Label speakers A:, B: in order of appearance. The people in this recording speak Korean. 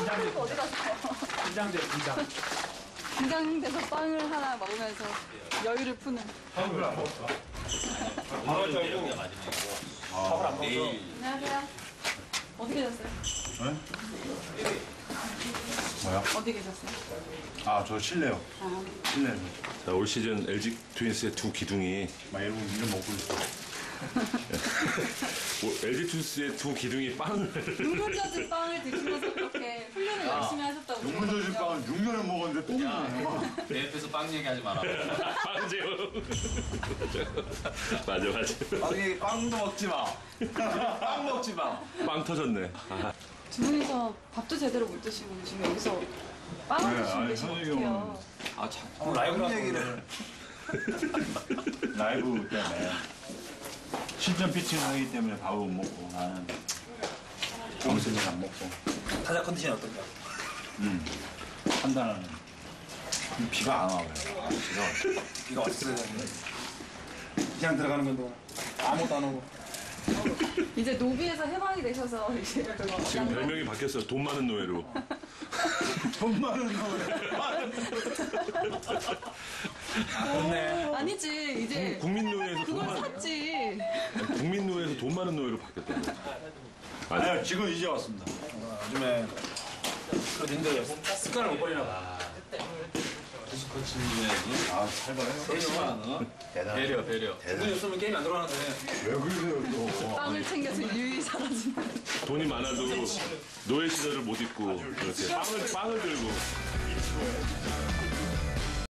A: 친구 어디 갔어요?
B: 긴장돼, 긴장.
A: 긴장돼서 빵을 하나 먹으면서 여유를 푸는.
B: 밥을 안 먹었어. 밥을 안 먹었어.
A: 안녕하세요. 어디 계셨어요?
C: 네? 뭐야?
A: 어디 계셨어요?
C: 아, 저 실내요. 실내.
D: 자, 올 시즌 LG 트윈스의 두 기둥이
C: 막 이런 먹고 있어.
D: LG 트윈스의 두 기둥이 빵을
A: 눈물 젖은 빵을 드시면서 그렇게 훈련을 열심히 하셨다고.
C: 눈물 젖은 빵은 6년을 먹었는데 또 먹네.
E: 내 옆에서 빵 얘기하지 마라.
D: 빵제요. 맞아.
E: 빵도 먹지 마. 빵 먹지 마.
D: 빵 터졌네. 아,
A: 두 분이서 밥도 제대로 못 드시고 지금 여기서 빵을
C: 네,
A: 드시면
C: 아니,
A: 되시면
C: 현욱이
A: 어떡해요.
E: 아, 자꾸 라이브 얘기를.
C: 라이브 때문에. 실전 피칭 하기 때문에 밥을 못 먹고 나는 점심을 안 먹고
B: 타자 컨디션 어떤가?
C: 판단하는. 비가 안 와요.
B: 비가 왔어야 되는데. 그냥 들어가는 건데 아무것도 안 오고.
A: 이제 노비에서 해방이 되셔서 이제
D: 지금 별명이 바뀌었어요. 돈 많은 노예로.
C: 돈 많은 거예요.
B: 좋네.
A: 아니지 이제
D: 국민노예에서 돈
A: 그걸
D: 많은
A: 샀지.
D: 국민노예에서 돈 많은 노예로 바뀌었다고.
C: 아니요, 지금 이제 왔습니다.
B: 요즘에 그 님들 습관을 못 버리나 봐.
E: 스코치님의
C: 아, 살벌해요.
E: 배려, 배려.
B: 돈이 없으면 게임이 안 들어가는데.
C: 왜 그러세요, 또.
A: 빵을 챙겨서 유유히 사라지는.
D: 돈이 많아도 노예 시절을 못 잊고 이렇게 빵을 들고.